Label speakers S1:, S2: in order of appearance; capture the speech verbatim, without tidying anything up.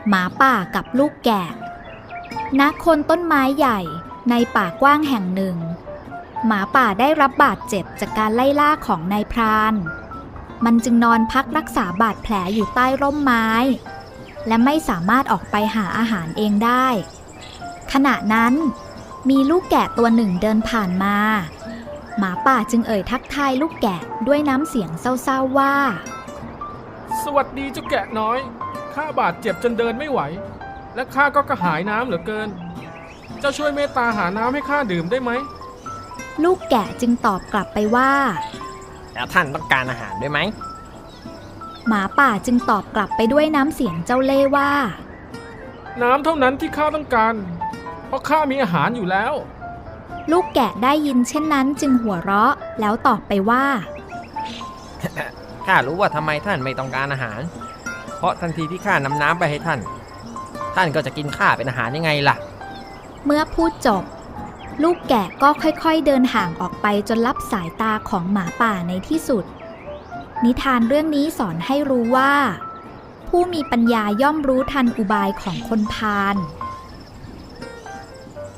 S1: หมาป่ากับลูกแกะณโคนต้นไม้ใหญ่ในป่ากว้างแห่งหนึ่งหมาป่าได้รับบาดเจ็บจากการไล่ล่าของนายพรานมันจึงนอนพักรักษาบาดแผลอยู่ใต้ร่มไม้และไม่สามารถออกไปหาอาหารเองได้ขณะนั้นมีลูกแกะตัวหนึ่งเดินผ่านมาหมาป่าจึงเอ่ยทักทายลูกแกะด้วยน้ำเสียงเศร้าๆว่า
S2: สวัสดีเจ้าแกะน้อยข้าบาดเจ็บจนเดินไม่ไหวและข้าก็กระหายน้ำเหลือเกินเจ้าช่วยเมตตาหาน้ำให้ข้าดื่มได้ไหม
S1: ลูกแกะจึงตอบกลับไปว่า
S3: แล้วท่านต้องการอาหารด้วยไหม
S1: หมาป่าจึงตอบกลับไปด้วยน้ำเสียงเจ้าเล่ห์ว่า
S2: น้ำเท่านั้นที่ข้าต้องการเพราะข้ามีอาหารอยู่แล้ว
S1: ลูกแกะได้ยินเช่นนั้นจึงหัวเราะแล้วตอบไปว่า
S3: ข้ารู้ว่าทำไมท่านไม่ต้องการอาหารเพราะทันทีที่ข้านำน้ำไปให้ท่านท่านก็จะกินข้าเป็นอาหารยังไงล่ะ
S1: เมื่อพูดจบลูกแกะก็ค่อยๆเดินห่างออกไปจนลับสายตาของหมาป่าในที่สุดนิทานเรื่องนี้สอนให้รู้ว่าผู้มีปัญญาย่อมรู้ทันอุบายของคนพาล